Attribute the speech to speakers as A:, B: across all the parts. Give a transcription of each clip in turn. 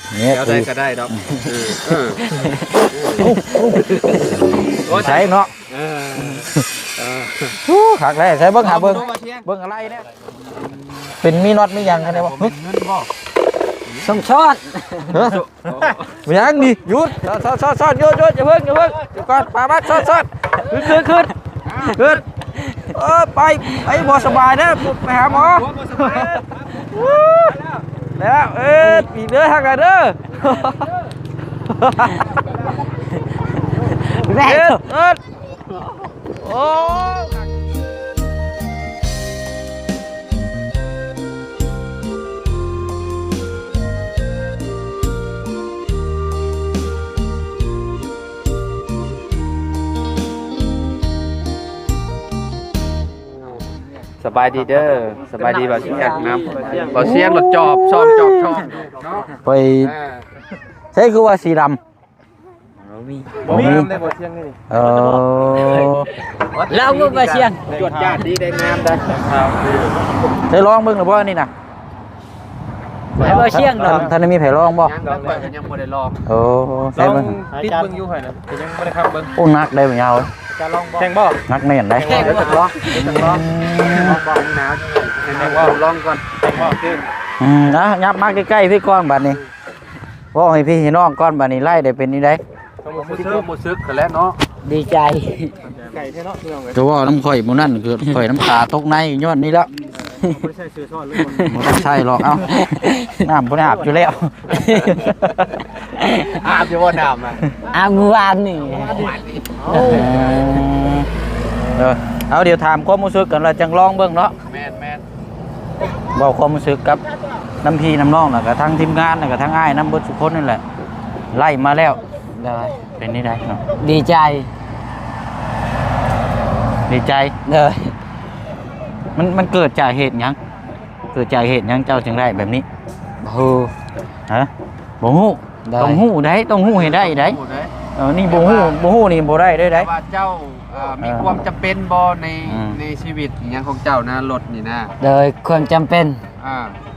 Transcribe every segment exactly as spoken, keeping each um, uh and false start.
A: เนี่ย
B: เดี๋ยวได้ก็ได้ดอกเออเออ
A: ใช้เนาะ
B: เออเออ
A: ฮู้คักเลยใช้เบิ่งหาเบิ่งเบิ่งอะไรเนี่ยเป็นมีน็อตมีหยังกันได้บ่
B: เงินบ่
C: ส่งช้อน
A: เฮ้ยยังนี่หยุดซ่อนซ่อนซ่อนหยุดหยุดอย่าเพิ่งอย่าเพิ่งเดี๋ยวก่อนปาบัดซ่อนซ่อนขึ้นขึ้นขึ้นขึ้นเออไปไปบ่สบายนะไปหาหมอแล้วเอ๊ะปีเด้อฮักกันเด้อ
C: แม่
A: เอ๊ะเอ๊ะโอ้สบายดีเด้อสบายดีบ่เสียงน้ำบ่เสียงรถจอบซ่อมจอบช่องไปใช่คือว่าสีดำ
C: มี
B: บ่มีได้บ่เสียงนี่
A: เออ
C: เราก็มาเชียง
B: จวดจ้าดีได้งามได้ครับ
A: ใช่ร้องเบิ่งหรือบ่นี่น่ะ
C: แล้วมาเชียงดอก
A: ท่านมีไผร้องบ่
B: ยังดอกยังบ่ได้ลอง
A: โอ้ใช่เบิ่ง
B: ติดเบิ่งอยู่หั่นน่ะยังบ่ได้ครับเบิ่ง
A: โอ้นักได้บ่ยาว
B: จะลองบ่แข่งบ่
A: นักแน่นได้
B: แข่งบ่ลองลองลองบ่หนาวแข่งบ่ลองก่อนแข่งบ่ขึ้น
A: อืมนะยับมาใกล้ๆพี่ก้อนบัดนี้ว่าให้พี่ให้น้องก้อนบัดนี้ไล่ได้เป็นนี่ได้
B: ต้องบ่ซึกบ่ซึกกันแล้วเนาะ
C: ดีใจ
B: ไก่แท้เนาะเรื่องเลย
A: จะว่าน้ำข่อยหมูนั่นคือข่อยน้ำตาตกในย้อนนี่แล้ว
B: ไม่ใช่ซื้อซ่อนหรือบ่
A: บ่ต้องใช่หรอกเอ้าน้ำบ่ได้อาบอยู่แล้ว
B: อาบอยู่บ่น้ำอ่ะ
C: อาเมื่อวานนี่
A: เออเออเอาเดี๋ยวถามความรู้สึกกันเราจังลองเบิ่งเนาะ
B: แม่นแม่น
A: บอกความรู้สึกกับน้ำพี่น้ำน้องแล้วก็ทั้งทีมงานแล้วก็ทั้งอ้ายน้ำเบิดทุกคนนั่นแหละไล่มาแล้ว
C: ได้
A: เป็นนี่ได้เนาะ
C: ดีใจ
A: ดีใจ
C: เลย
A: มันมันเกิดจากเหตุหยังเกิดจากเหตุหยังเจ้าจึงได้แบบนี้
C: โอ้
A: ฮะบ่ฮู้
C: ได้
A: ต้องฮู้ได้ต้องฮู้ให้ได้ได้
B: พูดได้
A: เออนี่บ่ฮู้บ่ฮู้นี่บ่ได้ได้ได้
B: ว่าเจ้าเอ่อมีความจำเป็นบ่ใน
A: อืม
B: ในชีวิตอหยังของเจ้านะรถนี่นะ
C: เลยความจำเป็น
B: อ่า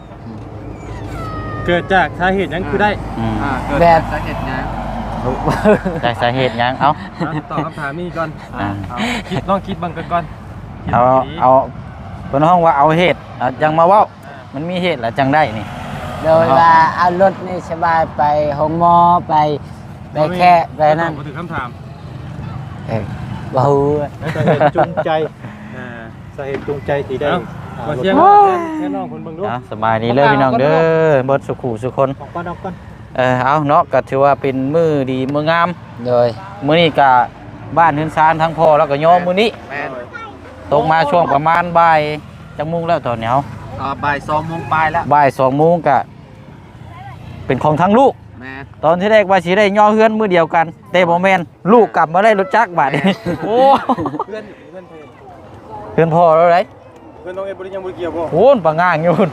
D: เกิดจากสาเหตุนั้นคือได้
A: อืม
B: อ่าเกิด
C: แบบ
B: จากสาเหตุหยัง
A: ได้สาเหตุหยังเอา
D: ตอบคำถามนี้ก่อน
A: อ่า
D: เอาคิดลองคิดบังกันก่อนคิด
A: เอา
D: ดี
A: เอาเพิ่นห้องว่าเอาเหตุเอาจังมาเว้ามันมีเหตุแล้วจังได้นี่
C: โดยว่าเอารถนี่สบายไปห้องหมอไปไปแค่ไปนั่น
D: ตอบมาถึงคำถาม
A: เออ
C: บ่ฮู้
D: สาเหตุจูงใจอ่าสาเหตุจูงใจที่ได้มาเชียงแค่น้องคนเบิ่งดู
A: เอาสบายดีเลยพี่น้องเด้อเบิดสุขุสุคน
D: ออกก่อนออกก่อน
A: เออเอาเนาะก็ถือว่าเป็นมื้อดีมื้องาม
C: โดย
A: มื้อนี้ก็บ้านเฮือนซานทั้งพ่อแล้วก็โยมมื้อนี้
B: แม่น
A: ตกมาช่วงประมาณบ่ายจังโมงแล้วตอนนี้เอา
B: อ่าบ่ายสองโมงปลายแล้ว
A: บ่ายสองโมงก็เป็นของทั้งลูก
B: แม่น
A: ตอนที่แรกว่าสิได้ย่อเฮือนมื้อเดียวกันแต่บ่แม่นลูกกลับมาได้รถจักรบาดนี้โอ้
D: เพื่อนเพื่อนเพื่อน
A: เฮือนพ่อแล้วได
D: เพื่อนน้องเอ็ดบริยังบริเกี่ยวบ่
A: โหนปะง่างอยู่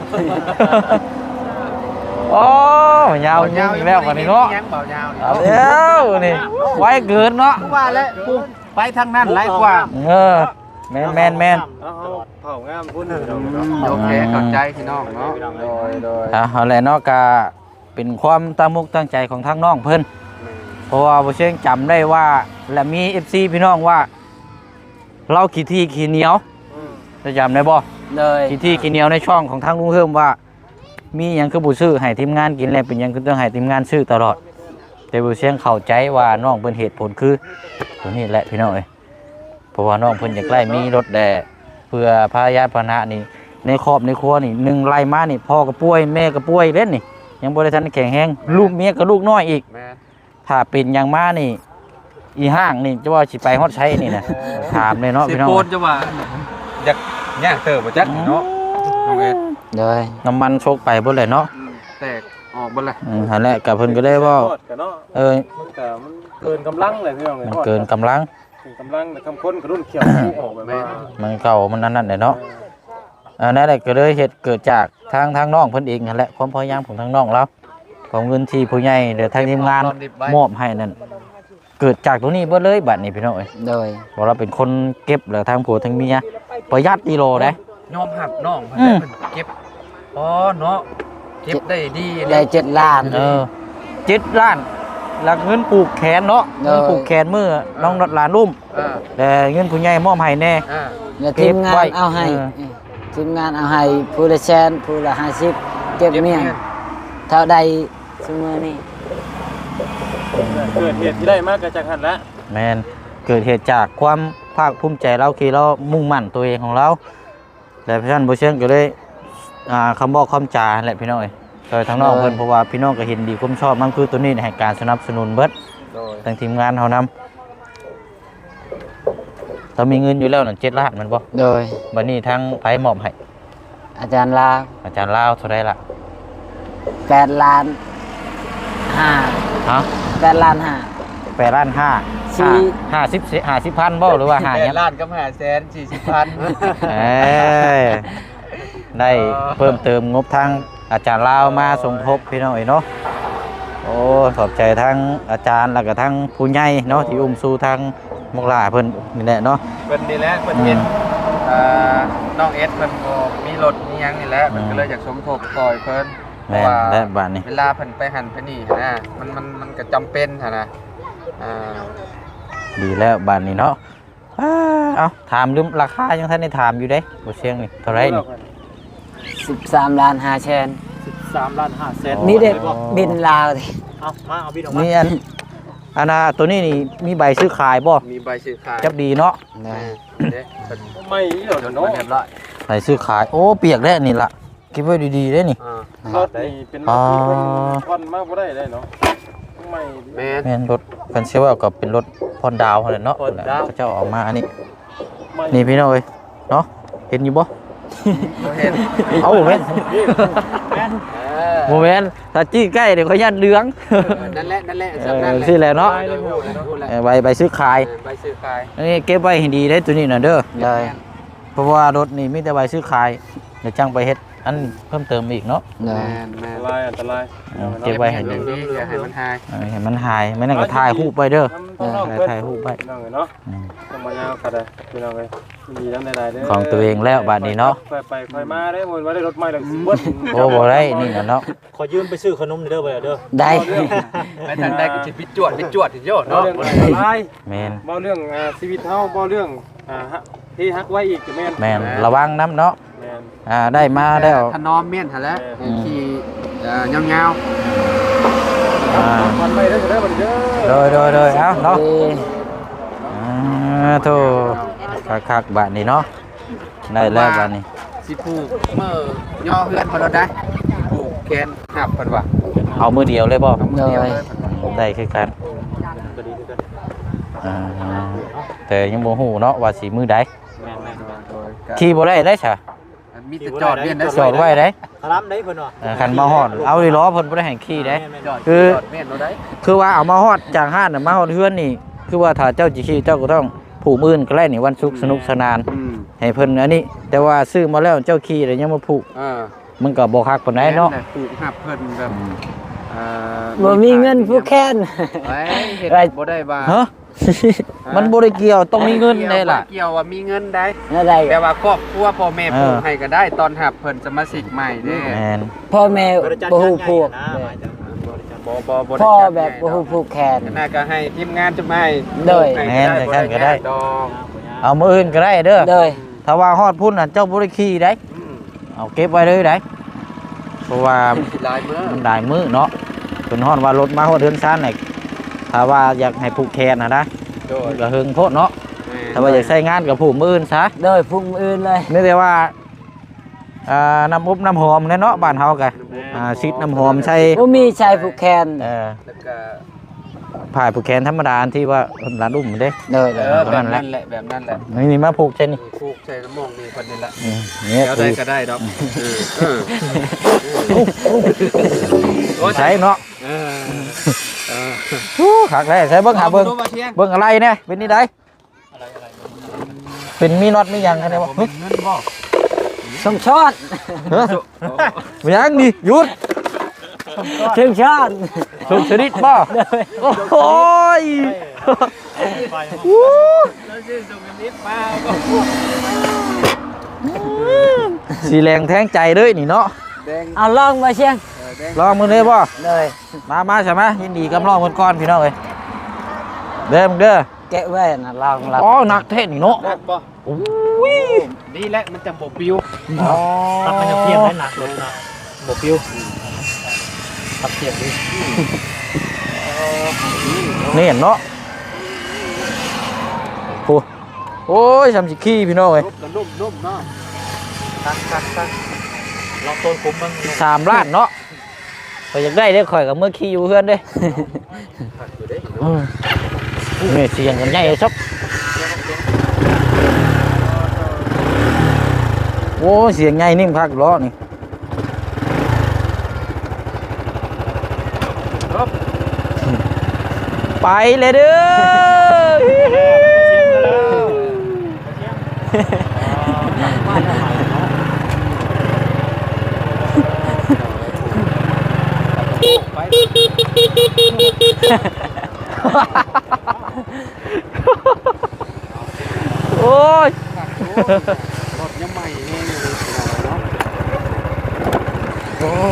A: โอ้ยาวยิ่งอีกแล้ววันนี้เนาะ
B: ยังเบายาวนี่
A: เอาแล้วนี่ไว้เกินเนาะ
B: ว่าแล้วกูไปทางนั้นหลายกว่า
A: เออแมนแมนแมน
D: เอาเอาเผางามพุ่นเนาะ
B: โอเคเข้าใจพี่น้องเนาะโดยโดย
A: อ่ะเอาแหละเนาะกะเป็นความตั้งมุกตั้งใจของทางน้องเพิ่นเพราะว่าบ่เชิงจำได้ว่าและมี เอฟ ซี พี่น้องว่า เราขี้ที่ขี้เหนียวจะจำได้บ่
C: เลย
A: ขี้ที่ขี้เหนียวในช่องของทางลุงเฮิมว่า มีหยังคือบ่ซื้อให้ทีมงานกินแล้วเป็นหยังคือต้องให้ทีมงานซื้อตลอด แต่บ่เชียงเข้าใจว่าน้องเพิ่นเหตุผลคือตัวนี้แหละพี่น้องเอ้ยเพราะว่าน้องเพิ่นอยากไล่มีรถแด่เพื่อพาญาติพาหนะนี่ในครอบในครัวนี่หนึ่งไล่มานี่พ่อก็ป่วยแม่ก็ป่วยเล่นนี่ยังบ่ได้ทันแข็งแรงลูกเมียก็ลูกน้อยอีก
B: แม่น
A: ถ้าเป็นหยังมานี่ อีห้างนี่จะว่าสิไปฮอดใช้นี่นะถามเลยเนาะ
B: สิ
A: พี่น้อง
B: โปนจะว่าอยากย่างเติบบ่จักเนาะน้องเอ็ด
C: เลย
A: น้ำมันโชกไปเบิดเลยเนาะ
B: อืมแตกออกเบ่เลย
A: อืมหั่นแหละก็เพิ่นก็ได้เว้า
D: ทอดกันเนาะ
A: เออ
D: มันก็มันเกินกำลังเลยพี่น้อง
A: มันเกินกำลัง
D: เกินกำลังแต่คำค้นกระรุ่นเขียวออกแบบว่า
A: มันเก่ามันนั่นนั่นแหละเนาะอันนั้นแหละก็เลยเหตุเกิดจากทางทางน้องเพิ่นเองนั่นแหละความพยายามของทางน้องเราของเงินที่ผู้ใหญ่หรือทางทีมงานมอบให้นั่นเกิดจากตรงนี้เบิดเลยบัดนี้พี่น้องเอ้ย
C: โดย
A: เพราะเราเป็นคนเก็บหรือทางผัวทางเมียประหยัดกิโลได้
B: ยอมหับน้องเพิ่น
A: อืม
B: เพิ่นเก็บอ๋อเนาะเก็บได้ดี
C: ได้เจ็ดล้าน
A: เออเจ็ดล้านหลักเงินปลูกแขนเนาะเงินปลูกแขนมือน้องนดหลานลุ่ม
B: อ่า
A: แต่เงินผู้ใหญ่มอบให้แน่
B: อ่า
C: แล้วทีมงา
A: เก็บไว้
C: นเอาให้
A: เออ
C: ทีมงานเอาให้ผู้ละแสนผู้ละห้าสิบเก็บเมียนเท่าใดเสมอนี่
D: เกิดเหตุที่ได้มากกระจังหันละ
A: แมนเกิดเหตุจากความภาคภูมิใจเราคือเรามุ่งมั่นตัวเองของเราและพี่ท่านผู้เชี่ยงก็เลยอ่าคำบอกคำจาแหละพี่น้องเอ้ยโดยทางนอกเพิ่นเพราะว่าพี่น้องก็เห็นดีความชอบมันคือตัวนี้ให้การสนับสนุนเบิด
B: โดย
A: ทางทีมงานเฮานำเรามีเงินอยู่แล้วนั่นเจ็ดล้านแมันบ่
C: โดย
A: บัดนี้ทางไผมอบให้
C: อาจารย์ลาว
A: อาจารย์ลาวเท่าใดล่ะ
C: แปดล้านห้า
A: ฮะ
C: แปดล้านห้า
A: แปดล้านห้า
C: สี่
A: ห้าสิบห้าสิบพันบ่หรือว่าห้า
B: แป
A: หยั
B: ด
A: ง
B: ล้านกับห้าแสนสี่สิบพัน
A: เอ้ยได้เพิ่มเติมงบทางอาจารย์ลาวมาสมทบพี่น้องเอ้ยเนาะโอ้ขอบใจทั้งอาจารย์แล้วก็ทั้งผู้ใหญ่เนาะที่อุ้มสู่ทางมกลาเพิ่นนี่แหละเนาะ
B: เพิ่นนี่แหละเพิ่นเห็นอ่าน้องเอสเพิ่นก็มีรถมีหยังนี่แหละเพิ่นก็เลยอยากสมทบซอยเพิ่นเพ
A: แม่
B: ราะ
A: น
B: ว่า
A: และบาดนี้
B: เวลาเพิ่นไปหันไปนี่หั้นนะมันมันมันก็จำเป็นหั่นนะอ่า
A: ดีแล้วบาดนี้เนาะอ้าเอาถามลืมราคายังท่านได้ถามอยู่เด้บ่เชียงนี่เท่าไหร่นี่
C: สิบสามล้านห้าแสน
D: สิบสามล้านห้าแสน
C: นี่เด็กบินลาวดิ
D: เอามาเอาบินออกมา
A: นี่อันอันน่ะตัวนี้นี่มีใบซื้อขายบ่
B: มีใบซื้อขาย
A: จับดีเนาะ
C: นะ
B: เด้เพิ่น
D: ไม่เดี๋ยว
B: จน
D: เนาะ
B: เรียบร้อย
A: ใบซื้อขายโอ้เปียกแล้วนี่ล่ะเก็บไว้ดีๆเด้นี่
B: อ่าร
D: ถนี่เป็นรถที่มันผ่อนมากบ่ได้เลยเนาะไม่
B: แม่น
A: แม่นรถเพิ่นเชื่อว่าก็เป็นรถพรดาวนั่นแหละเนาะ
D: พรดาว
A: เขาเจ้าเออกมาอันนี้
D: ไม่
A: นี่พี่น้องเอ้ยเนาะเห็นอยู่บ่
B: บ่เห็น
A: เอ้าเห็น
D: แม่น
B: เออ
A: โมเมนต์ถ้าจี้ใกล้เดี๋ยวเขายันเหลือง
B: เออนั่นแหละนั่นแหละ
A: เอ
B: สำนั่น
A: อ
B: แหละ
A: สิแหละเนาะ
B: เออพูดแล้วพูดแล้ว
A: เออใบใบซื้อขาย
B: เออใบซื้อขาย
A: อันนี้เก็บไว้ให้ดีได้ตัวนี้น่ะเด้อ
C: โดย
A: เพราะว่ารถนี่มีแต่ใบซื้อขายเดี๋ยวจังไปเฮ็ดอันเพิ่มเติมอีกเนาะ
C: โด
B: แม่
C: ย
B: นแม่
D: อัน
B: น
D: ตรายอันตราย
A: เก็บไว้ให้
B: เก็
A: ดี
B: บไว้ให้ดีอย่าให้มันหาย
A: เออให้มันหายไม่นั่นก็ถ่ายรูปไว้เด้อ
D: ต้องน้อง
A: ถ่าย
D: เพิ่น
A: ถ่ายรูปไว้
D: พี่น้องเนาะ
A: อืม
D: ต้องมายาวกันเลยพี่น้องเลยดีทั้งหลายๆเด้อ
A: ของตัวเองแล้วบัดนี้เนาะ
D: ไปไปไปมาได้หมดว่าได้รถใหม่แล้วเบิด
A: โอ้บ่ได้นี่น่ะเนาะ
D: ขอยืมไปซื้อขนมเด้อไปเด้อ
C: ได้
B: ไปทางใดก็สิไปจวดไปจวดสิโย
D: เนาะ
B: เนาะ
D: เรื่องอันตราย
A: แม่น
D: บ่เรื่องอ่าชีวิตเฮาบ่เรื่องอ่าฮะที่ฮักไว้อีกก็แม่น
A: แม่นระวังน้ำเนาะ
D: แม่น
A: อ่าได้มาแล้ว
B: ถนอมเมียนหั่นแหละ
D: อืม
B: ขี่เอ่อยาว
A: อ่า
D: มันไม่ได้ก็ได้บัดเด้อ
A: โดยโดยโดยเอ้าเนาะ
C: ดี
A: อ่าโธ่คักๆบัดนี้เนาะได้แล้วบัดนี้
B: ๆสิผูกเมื่อย่อเฮือนเพิ่นเราได้ผูกแขนหับเพิ่นว่า
A: เอามือเดียวเลยบ่
B: เอามือเดียวเลยเพิ่นว่า
A: ได้คือกัน
D: ก็ดีคือกัน
A: อ่าแต่ยังบ่ฮู้เนาะว่าสิมือใด
D: แม่นแม่น
B: โดยก็
A: ขี่บ่ได้ได้ซะ
B: มีแต่จอดเวียนได้
A: จอดไว้ได้
D: คารามได้เพิ่นว่า
A: เออคันมาฮอดเอาดิล้อเพิ่นบ่ได้ให้ขี่ได้
B: จอด
A: คือ
B: จอดเวียนเราได้
A: คือว่าเอามาฮอดจากห้านน่ะมาฮอดเฮือนนี่ คือว่าถ้าเจ้าสิขี่เจ้าก็ต้องผูกมื่นก็ได้นี่วันศุกร์สนุกสนาน
B: อืม
A: ให้เพิ่นอันนี้ แต่ว่าซื้อมาแล้วเจ้าขี่แล้วยังมาผูก
B: เออ
A: มันก็บ่คักปานใดเนาะ
B: แม่แหลผูกหับเพิ่นแบบเอ่อ
C: บ่มีเงินผู้แค้น
B: ไว้เฮ็ด
C: ไร
B: บ่ได้ว่า
A: ฮะ มันบ่ได้เกี่ยวต้องมีเงินได้ล่ะ
B: บ่เกี่ยวว่ามีเงินได้
C: นั่นได้
B: แต่ว่าครอบครัวพ่อแม่
A: เออ
B: ปลูกให้ก็ได้ตอนหับเพิ่นสมาชิกใหม่เด้
A: แม่น
C: พ่อแม่บ่ฮู้ผูก
B: บ่บ่บ่ได้
C: พ่อ
B: จัด
C: แบบบ่
B: ใหญ่
C: ฮู้ผูกแขน
B: ดอกน่าก็ให้ทีมงานจะมาให้
C: โดย
B: ให้
A: แม่นแต่กันก็ได้
B: ดอก
A: เอามื้ออื่นก็ได้เด้อ
C: โดย
A: ถ้าว่าฮอดพุ่นน่ะเจ้าบ่ได้ขี่ได้
B: อืม
A: เอาเก็บไว้เลยได้เพราะว่า
B: หลายมื้อ
A: มันได้มือเนาะเป็นฮอดว่ารถมาฮอดเดือนซ่านนี่ถ้าว่าอยากให้ผูกแขนนะนะ
B: โดย
A: ก็เฮิงโพดเนาะ
B: แม่
A: ถ้าว่าอยากใช้งานกับผูกมืออื่นซะ
C: โดยพุ่งอื่นเลย
A: ไม่ได้ว่าอ่าน้ำอบน้ำหอมแน่เนาะบ้านเฮาก็อ่าซิดน้ำหอมใช้
C: บ่มีชายผูกแขน
A: เอ่อ
B: แล้วก็
A: ผ่ายผูกแขนธรรมดาอันที่ว่าร้านอุ้มเด้
C: โดย
B: เออแบบนั้นแหละแบบนั้นแหละ
A: นี่นี่มาผูกใช่นี่
B: ผูกใส่น้ำมองนี่คนนี้ละ
A: อืมเนี่ย
B: เดี๋ยว
A: ผู
B: ได้
A: ก
B: ก็ได้ดอกเออเออ
A: ใช้เนาะ
B: เออเออ
A: ฮู้คักได้ใช้เบิ่งหาเบิ่ง
B: ดูมาเที่ยง
A: เบิ่งอะไรเนี่ยเป็นนี่ได้เป็นมีน็อตมีหยังกันเนี่ยบ่
B: เงินบ่
C: สมชอด
A: เฮ้ยมีหยังนี่หยุด
C: ถึงชอด
A: สุดชนิดบ่โอ้ย สีแรงแทงใจเลยนี่เนาะ
B: แดง
C: เอาลองมาเชียง
B: เอ
A: ลองมือเลยบ่
C: เลย
A: มามาใช่ไหมยินดีกับน้องคนก่อนพี่น้องเอ้ยเด้อมึงเด้อ
C: แกะไว้นะลองรับ
A: อ๋อหนักเท่นี่เนาะ
B: ได้ป่ะ
A: โอ้ย
B: ดีแล้วมันจะบบปิว
A: อ๋อ
D: ตัดมันจะเทียมได้หนักรถนะบ่ปิ้วตัดเทียมดิ
A: นี่เห็นเนาะโอ้โอ้ยทำสิขี้พี่น้องเอ้ย
B: นุ่มนุ่มนุ่มเนาะตักตักตัก
D: ลองต้นผมบ้าง
A: สามล้านเนาะข่อยอยากได้เด้อข่อยกับเมื่อขี้อยู่เพื่อนเด้
B: ตักอยู่ได้
A: อืมนี่เสียงกันใหญ่ซับโอ้เสียงใหญ่นิ่มคักล้อนี่ไปเลยเด้อ โอ้ย
B: รถยังใหม่เองเลยเนาะ
A: โอ้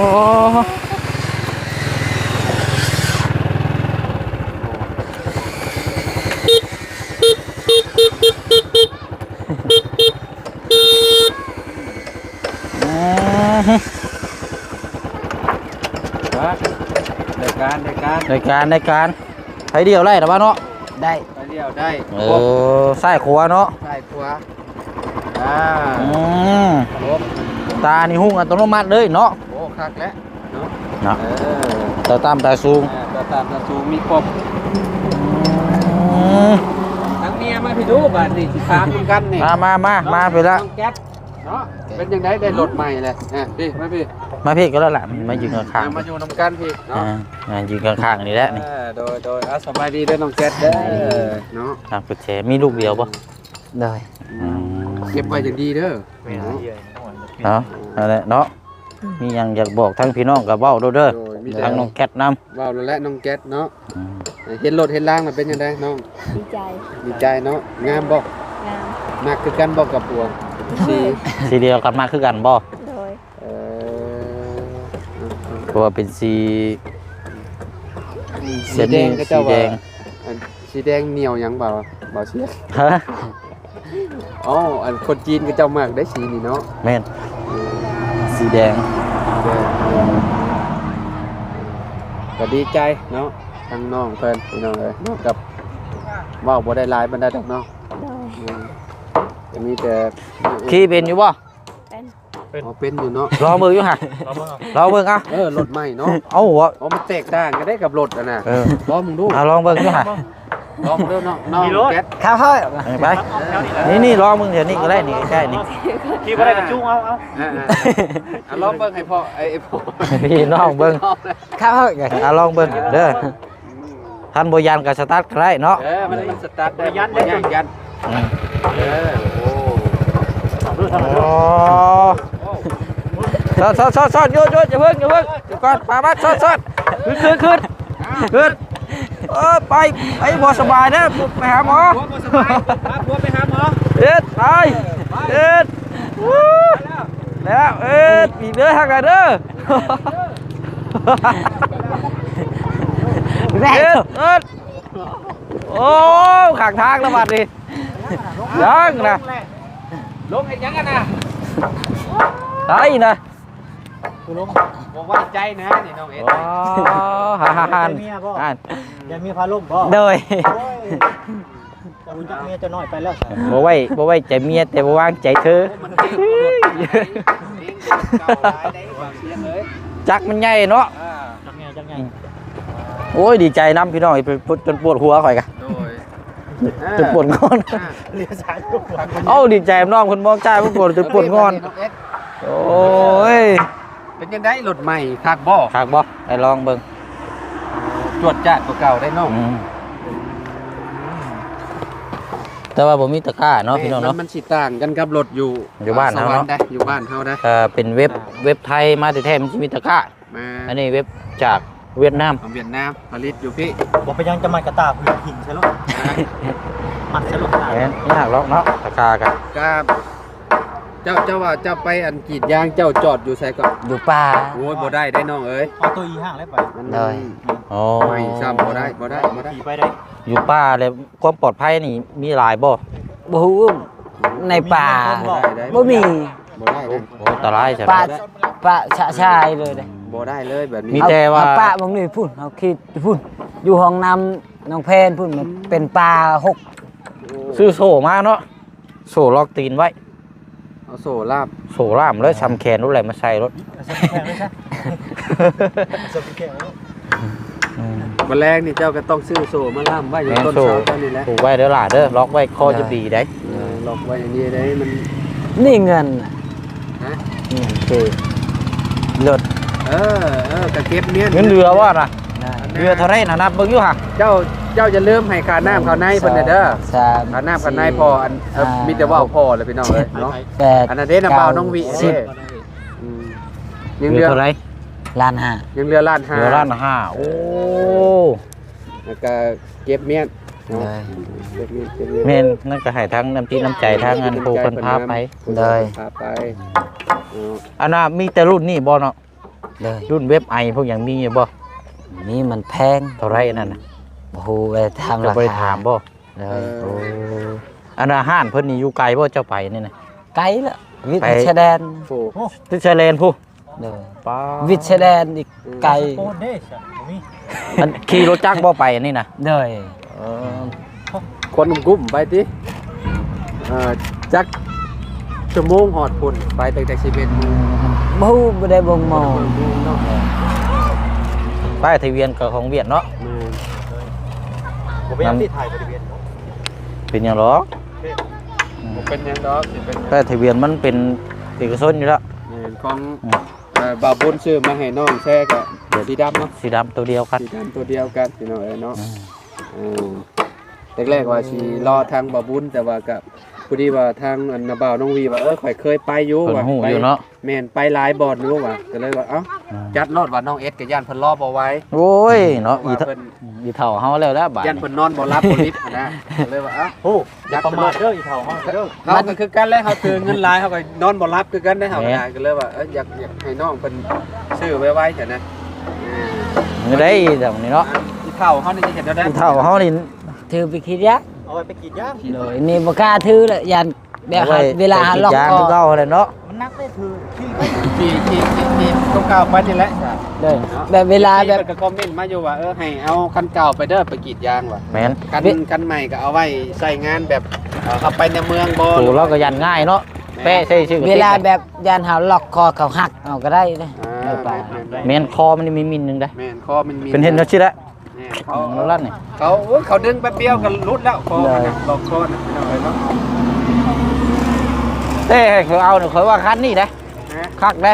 B: ในการในการ
A: ในการในการใช้เดียวไล่หรือเปล่าเนาะ
C: ได้
B: ไปเดียวได้
A: เออไส้ขัวเนาะ
B: ใช่ขวาอ่า
A: อืม
B: ครบ
A: ตานี่หุ้งอัตโนมัติเลยเนาะ
B: โอ้คักแล้วเนาะ
A: เนาะ
B: เออ
A: ตาตามตาสูง
B: อ่าตัวตามตัวสูงมีครบ
A: อืม
B: ทั้งเมียมาพี่ดูบ้านนี่สิถามเหมือนกันนี่
A: มามามามาไปละ
B: น้องแก๊สเนาะเป็นยังไงได้รถใหม่เลยอ่ะพี่มาพี่
A: มาพี่ก็แล้วล่ะมายืนข้าง
B: อ่ะมาอยู่นำกันพี่
A: ๆ
B: เนาะ
A: อ่าอ่ายืนข้างๆนี่แหละนี่
B: เออโดยโดยอ่ะสบายดีเด้อน้องแก๊สเด้อเนาะ
A: ทางกุญแจมีลูกเดียวปะ
C: เลย
A: อืม
B: เก็บไว้อย่างดีเด้อ
A: เนาะนั่นแหละเนาะมีหยังอยากบอกทั้งพี่น้องกับเบ้าเด้อเด้อ
B: โดยมีแต่
A: ทั้งน้องแคทนำ
B: ว้าวแล้วแหละน้องแก๊สเนาะ
A: อืม
B: เห็นรถเห็นล่างมันเป็นยังไงน้อง
E: ดีใจ
B: ดีใจเนาะงามบ่
E: งาม
B: มากคือกันบ่กับปัวสี
A: สีเดียวกันมาคือกันบ่
E: โดย
B: เออ
A: เพราะว่าเป็นสี
B: สีแดงก็เจ้า
A: สีแด
B: ว่าง อันสีแดงเหนียวหยังเปล่าเปล่าเสีย
A: ฮะ
B: อ๋ออันคนจีนก็เจ้ามากได้สีนี่เนาะ
A: แม่นสีแดง
B: เออก็ดีใจเนาะทั้งน้องเพิ่นพี่น้องเอ้ยเนาะกับว้าวบ่ได้หลายบรรดาดอกเนาะ
E: โดย
B: อืมจะมีแต่
A: ขี่เป็นอยู่บ่
E: เป็น
B: อ๋อเป็นอยู่เนาะ
A: รอมืออยู่ห่ะรอเบิ่งอ่ะ
B: เออรถใหม่เนาะ
A: เอาหัว
B: อ๋อมันแตกต่างกันได้กับรถอ่ะนะ
A: เออ
B: ลองมึงดู
A: เอาลองเบิ่งอยู่ห่ะ
B: ลองมึงดูเนาะน้องแก๊ส
C: ข้าวเฮ้ย
A: ไปนี่นี่รอมึงเดี๋ยวนี้ก็ได้นี่ใกล้ๆนี่
D: ขี่บ่ได้กระจุ้งเอาเอา
B: อ่าๆอ่ะลองเบิ่งให้พ่อไอ้ไอ้พ่อ
A: พี่น้องเบิ่ง
C: ข้าวเฮ้ย
A: อ่ะลองเบิ่งเด้อท่านบ่ยันก็สตาร์ทก็ได้เนาะ
B: เออมันมันสตาร์ทได้ยันได้ยันยัน
A: อืม
B: เออโอ้
A: อ๋อซอดซอดซอดซอดโยนโยนอย่าเพิ่งอย่าเพิ่งเดี๋ยวก่อนมาบัดซอดซอดขึ้นขึ้นขึ้นขึ้นเออไปไปบ่สบายนะไปหาหมอ
B: พ่อบ่สบายพาพ่อไปหาหมอ
A: เอ็ดไปเอ็ดวู้แล้วเอ็ดปีเด้อทางกันเด้อ
C: แม่
A: เอ็ดเอ็ดโอ้ขางทางแล้วบัดนี้ยังนะ
B: ลงให้ยังกันนะ
A: ไอ้นะ
D: กูลง
B: บ่ไว้ใจนะนี่น้องเอ็ด
A: อ๋อฮ่าฮ่าฮ่า
D: เมียบ่
A: อ่าน
D: อย่ามีพาล่มบ่
C: โดย
D: จะอุ่นจักเมียจะน้อยไปแล้ว
A: บ่ไว้บ่ไว้ใจเมียแต่บ่วางใจเธอ
B: มันเก่งกว่ารถเก่งเก่าหลายได้บางเสียงเลย
A: จักมันใหญ่เนาะ
B: อ่า
D: จักไงจักไง
A: โอ้ยดีใจน้ำพี่น้องไปจนปวดหัวข่อยกะ
B: โดย
A: จนปวดงอน
B: อ่า
D: เลี้ยสายลูก
A: เอ้าดีใจน้องคนมองใจมันปวดจนปวดงอน
B: น้องเอ็ด
A: โอ้ย
B: เป็นยังไงรถใหม่คักบ่
A: คักบ่ไปลองเบิ่ง
B: จวดจ้าดกว่าเก่าได้น้อง
A: อืมแต่ว่าผมมีตะกร้าเนาะพี่น้องเนาะ
B: มันมันสิต่างกันกับรถอยู่
A: อยู่บ้าน
B: ส
A: เฮาว
B: รร
A: เนาะ
B: ค์ได้อยู่บ้านเฮาได้
A: เอ่อเป็นเว็บเว็บไทยมาแต่แท้ๆมันสิมีตะกร้า
B: มา
A: อันนี้เว็บจากเวียดนาม
B: ของเวียดนามผลิตอยู่พี่
D: บอกไปยังจะมันกระตากหินใช่หรอมัดใช่หรอ
A: แม่นยากหรอกเนาะตะกร้ากัน
B: กับจ้าเจ้าว่าเจ้าไปอันกรีดยางเจ้าจอดอยู่ไสก่อน
C: อยู่ป่า
B: โอ้ยบ่ได้ได้น้องเอ้ย
D: เอาตัวอีห้างแล้วไป
B: มัน
C: ได้
A: โอ้
B: ไม่ซ้ำบ่ได้บ่ได้บ่ได้
D: ขี่ไปได้
A: อยู่ป่าเลยความปลอดภัยนี่มีหลายบ่
C: บ่ฮู้ในป่า
B: ได้
C: บ่มี
B: บ่ได้นะ
A: โอ้อันตรายใช่ไหม
C: ป่าป่าชะชายเลยเด้
B: บ่ได้เลยแบบ
A: มี
B: นี้
A: แต่ว่า
C: เอป่าบ่มีพุ่นเอาคิดพุ่นอยู่ห้องน้ำน้องแพนพุ่นมันเป็นป่าหก
A: ซื้อโซ่มาเนาะโซ่ล็อกตีนไว้
B: เอาโซ่ลาบ
A: โซ่ล่ามแล้วชำแขนรู้อะไรมาใส่รถ
D: เอาสปิแข่งเลยใช่สปิแข่งเลย
B: แมลงนี่เจ้าก็ต้องซื้อโซ่มาล่ามไว้อยู่
A: แม่น
B: ต้น
A: โซ่
B: เสาต้นนี้แหละ
A: ถูกไว้เด้อล่ะเด้อล็อกไว้คอจะดีได้
B: เออล็อกไว้อย่างนี้ได้มัน
C: นี่เงินน่ะ
B: ฮะ
C: เงินคือรถ
B: เออเออกระเก็บเนี้ย
A: เงินเรือว่าน่ะ
C: ได้
A: เรือเท่าไรนะนับเบิ่งอยู่ห่ะ
B: เจ้าเจ้าจะเริ่าลืมให้ค่าน้ำค่าในเพิ่นน่ะเด้อ
C: สาม
B: ค่าน้ำค่าในพออันเออมีแต่ว่าพอเลยพี่น้องเอ้ยเนาะ
C: แปด
B: อันนั้นเด้น้ำเปล่าน้องวิ
C: สิบ
B: เด้อืมยัง
A: เรื
B: เรือ อ
A: เท่าไร
C: ล้านห้า
B: ยังเรือล้านห้า
A: เรือล้านห้าโอ้
B: แล้วก็เก็บเมียนเนาะ
C: ได้
B: เก็บเมียนเก็บเมียน
A: แม่นนั่นก็ให้ทั้งน้ำจิตน้ำใจทั้งเงินผู้คนพาไป
C: ได้
B: พาไปเนาะ
A: อันน่ะมีแต่รุ่นนี่บ่เนาะ
C: เลย
A: รุ่นเว็บไอพวกอย่างมีอยู่บ่
C: นี่มันแพง
A: เท่าไรอันนั่นน่ะ
C: โอ้โหไปทำ
A: จะ
C: รา
A: ไป
C: คา
A: ถามบ่
C: เล
B: เอย อ
A: โอ้อันน่ะห้านเพิ่นนี่อยู่ไกลบ่เจ้าไปนี่น่ะ
C: ไกลละวิท
A: ไป
C: ย์ชายแดน
B: โอ้
D: โอ้
A: ที่ชายแลนผู้
C: เลย
A: ป้า
C: วิทย์ชายแดนอีกไกล
D: โคตรเด้ใช่มี
A: อันขี่รถจักรบ่ไปอันนี่น่ะ
C: เลย
A: เออ
B: คนกุ้มๆไปติเอ่อจักชั่วโมงหอดพุ่นไปตั้งแต่สิบเอ็ดโมง
C: บฮูบ่ได้บ่งมอง
B: เนาะ
A: ป้ายทะเบียนกับของเวียดเนาะ
D: ผมไปยังที่ถ่ายบริเวณ
A: เป็นหยังหรอ
B: ผมเป็นหยังดอกสิเป็น
A: ป้ายทะเบียนมันเป็นเอกชนอยู่แล้ว
B: เงินของเอ่อบาวบุญซื้อมาให้น้องแท้ก็เดี๋ยวสีดำเนาะ
A: สีดำตัวเดียวกัน
B: สีดำตัวเดียวกันพี่น้องเอ้ยเนาะอืมแรกๆว่าสิรอทางบาวบุญแต่ว่าก็พอดีว่าทางอันนาบ่าวน้องวีว่าเออข่อยเคยไปอยู่
A: เพิ่น
B: ว่า
A: หู้
B: ไป
A: อยู่เนาะ
B: แม่นไปหลายบ่อนอยู่ว่าก็เลยว่าเอ้าจัดรอดว่าน้องเอสกับย่านเพิ่นรอบ่ไหว้
A: โอ้ยเนาะอี
B: ว่า
A: เท่า
B: เพิ่น
A: อีเท่าเฮาแล้วแล้วบาด
B: ย่านเพิ่นนอนบ่รับบ่ลิฟต์นะก็เลยว่าเอ้า
D: โอ้อย่าประมาทเด้ออีเถ่าห้องเด้อ
B: เขาก็คือกันแล้วเขาถือเงินหลายเขาก็นอนบ่รับคือกันได้เฮาก็ได้ก็เลยว่าเอ้ยอยากอยากให้น้องเพิ่นซื้อไว้ๆเถอะนะอืม
A: ไม่ได้แบบนี้เนาะ
B: อีเฒ่าเฮานี่จะเห็นแล้วได้
A: อีเท่าเฮานี่
C: ถือไปคิดยัก
D: เอาไปกีดย่าง
C: เลยนี่บ่กล้าถือละยันแบบ
A: อไ
C: เวลาหาล็อก
A: ยาง
C: คอ
A: คือเก่าเลยเนาะ
D: มันนักได้ถือที่
B: ที่ที่ที่ที่ต้องก้าวไปนี่แหละ
C: เลยแบบเวลาแบบ
B: ที่เพิ่นก็คอมเมนต์มาอยู่ว่าเออให้เอาคันเก่าไปเด้อไปกรีดยางว่ะ
A: แม่น
B: คันคันใหม่ก็เอาไว้ใส่งานแบบเอ่อเข้าไปในเมืองบ่
A: ถูกแล้วก็ยันง่ายเนาะแปะใส่ชื่อกระ
C: เว
A: ติก
C: ลาแบบยันหาล็อกคอเขาหักเอาก็ได้นะ
B: อ่า
C: ไม่ป่า
A: แม่นคอมันนี่มีมินหนึงได้
B: แม่นคอมันมี
A: เป็นเห็นแล้วชิละ
B: แม่น
A: เขา
B: เขา
A: ลั่นนี่
B: เขาโอ้ยเขาดึงแป๊บเดียวก็รุดแล้วคอมันน่ะล็อกคอน่ะพี่น้องเอ้ยเนาะ
A: เต้ให้เขาเอาเนี่ยเขาว่าคันนี่ได้
B: นะ
A: คักได้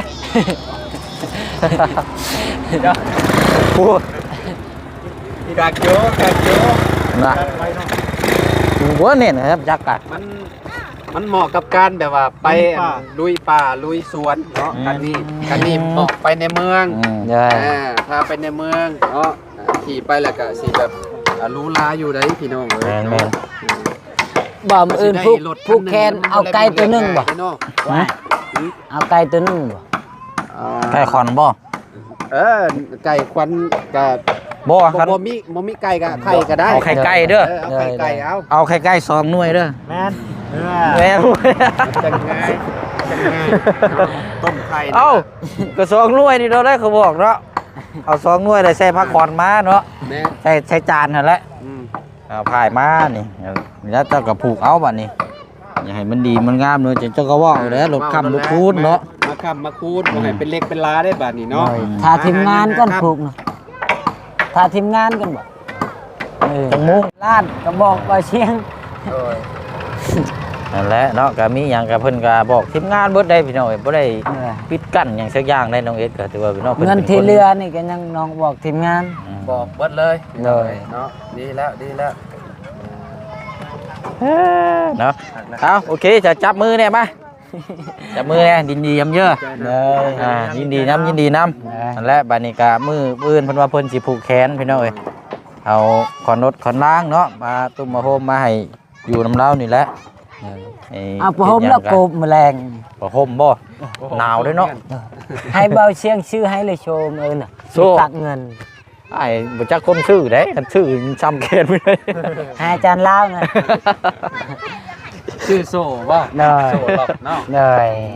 B: เดี๋ยว
A: พูด
B: กากโจกากโจ
A: นะหัวเนี่ยนะครับจักกะ
B: มันมันเหมาะกับการแบบว่าไปลุยป่าลุยสวนเนาะกันนี้กันนี้เหมาะไปในเมือง
A: อืม
C: เลย
B: อ่าถ้าไปในเมืองเนาะขี่ไปแล้วก็สิแบบอ่ารู้ลาอยู่ได้พี่น้องเอ้
A: แม่
B: ย
A: นแม่น
C: บ่มอื่นผู้ผู้แคนเอาไก่ตัวหนึงบ่
B: พี่น้อง
A: ฮะ
C: เอาไก่ตัวหนึงบ่
B: อ่า
A: ไก่ขอนบ่
B: เออไก่ควันกับ
A: บ่
B: บ่
A: คัน
B: บ่มีบ่มีไก่กับไข่ก็ได้
A: เอาไข่ไก่เด้อ
B: เออเอาไข่ไก่เอา
A: เอาไข่ไก่สองหน่วยเด้อ
D: แมนเออ
A: แม่น
B: จังง่ายจังง่ายต้มไข่นะ
A: เอ้าก็สองหน่วยนี่เราได้เขาบอกเนาะเอาสองหน่วยเลยใส่ผักขอนมาเนาะ
B: แม่
A: ใส่ใส่จานนั่นแหละ
B: อืม
A: เอาพายมานี่แล้วเจ้าก็ผูกเอาบัดนี้อย่าให้มันดีมันงามเนาะเจ้าก็ว่าเอาแล้วรถค้ำรถคูณเนาะ
B: มาค้ำมาคูณบ่ให้เป็นเล็กเป็นลาได้บาดนี้เนาะ
C: ถ้าทีมงานกันผูกนะถ้าทีมงานกันบ่เออ
A: จังมุ้ง
C: ลาดก็บอกว่าเชียง
B: โอ้ย
A: นั่นแหละเนาะก็มีหยังก็เพิ่นก็บอกทีมงานเบิดได้พี่น้องเอ้ยบ่ได้
C: เออ
A: ปิดกั้นหยังสักอย่างได้น้องเอ็ดก็ถือว่าพี่น้องเพิ่น
C: เงิน
A: ป็ค
C: ที่เรือนี่ก็ยังน้องบอกทีมงาน
A: อืม
B: บอกเบิดเลย
C: เลย
B: เนาะดีแล้วดีแล้ว
A: เนาะเอาโอเคจะจับมือเนี่ยมาจับมือเนี่ยยินดียำเยอะ
C: เลย
A: อ่ายินดีน้ำยินดีน้ำนั่นแหละบัดนี้ก็มือปืนเพิ่นว่าเพิ่นสิผูกแขนพี่น้องเอ้ยเอาขอนรถขอนล้างเนาะมาตุ้มมาโฮมมาให้อยู่น้ำเล้านี่แหละไอ้
C: เอาผ้าห่มแล้วโกบแมลง
A: ผ้าห่มบ่หนาวด้วยเนาะ
C: ให้เบาเชียงชื่อให้เลยโชมเออน่ะ
A: โซ่
C: ตักเงิน
A: ไอ้บ่จักคนชื่อเด้คันชื่อซ้ำเขตไม่ได้
C: ให้อาจารย์เล่านะ
B: ชื่อโซ่บ่
C: เลย
B: โซ่หรอกเนาะ
C: เลย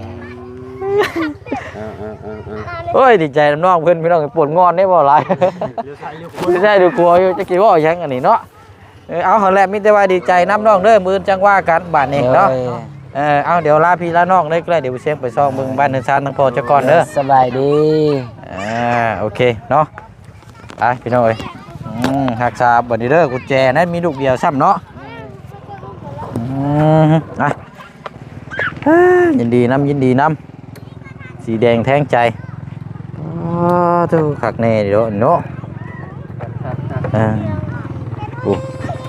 B: อ่าอ่าอ่าอ่า
A: โอ้ยดีใจน้องเพิ่นพี่น้องปวดงอนได้บ่หลายไม่ใช่ดูกลัวอยู่จะกี่ว่าหยังอันนี้เนาะเออเอาหั่นแหละมีแต่ว่าดีใจน้ำน้องเด้อมื้อจังว่ากันบาดนี้เนาะเออเอาเดี๋ยวลาพี่ลาน้องได้ใกล้เดี๋ยวไปเสียงไปซ่องเบิ่งบ้านเนินซานทั้งพ่อเจ้าก่อนเด้อ
C: สบายดี
A: อ่าโอเคเนาะไปพี่น้องเอ้ยอืมรักษาบัดนี้เด้อกุญแจนั้นมีลูกเดียวซ้ำเนาะอืมอ่ะอ่ายินดีน้ำยินดีน้ำสีแดงแทงใจอ๋อทูขักแน่เดี๋ยวเนาะอ่าโอ้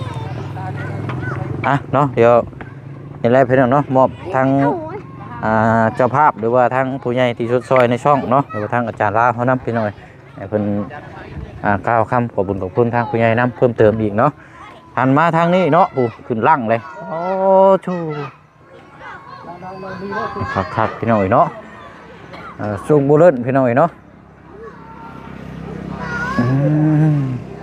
A: อ่ะเนาะเดี๋ยวนี่แหละพี่น้องเนาะมอบทางอ่าเจ้าภาพหรือว่าทางผู้ใหญ่ที่ชดซอยในช่องเนาะหรือว่าทางอาจารย์ลาเขานำพี่น้อยให้เพิ่นอ่ากล่าวคำขอบคุญขอบคุณทางผู้ใหญ่นำเพิ่มเติมอีกเนาะหันมาทางนี้เนาะผู้ขึ้นลั่งเลยโอ้ชูคักคักๆพี่น้อยเนาะอ่าสูงบุเล่นพี่น้อยเนาะอืม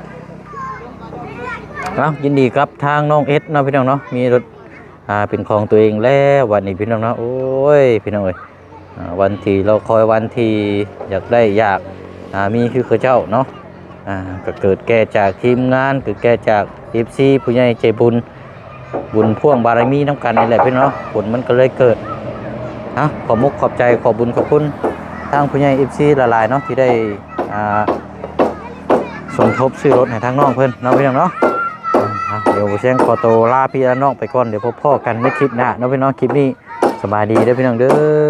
A: เอายินดีครับทางน้องเอสเนาะพี่น้องเนาะมีรถอ่าเป็นของตัวเองแล้ววันนี้พี่น้องเนาะโอ้ยพี่น้องเอ้ยอ่าวันที่เราคอยวันที่อยากได้อยากอ่ามีคือเขาเจ้าเนาะอ่าก็เกิดแก่จากทีมงานเกิดแก่จากเอฟซีผู้ใหญ่ใจบุญบุญพ่วงบารมีน้ำกันนี่แหละพี่น้องเนาะผลมันก็เลยเกิดอ่ะขอมุกขอบใจขอบุญขอบคุณทางผู้ใหญ่เอฟซีละลายเนาะที่ได้อ่าสมทบซื้อรถให้ทางน้องเพิ่นเนาะพี่น้องเนาะ อ่ะเดี๋ยวเชียงขอตัวลาพี่และน้องไปก่อนเดี๋ยวพบพ่อกันในคลิปหน้าเนาะพี่น้องคลิปนี้สบายดีเด้อพี่น้องเด้อ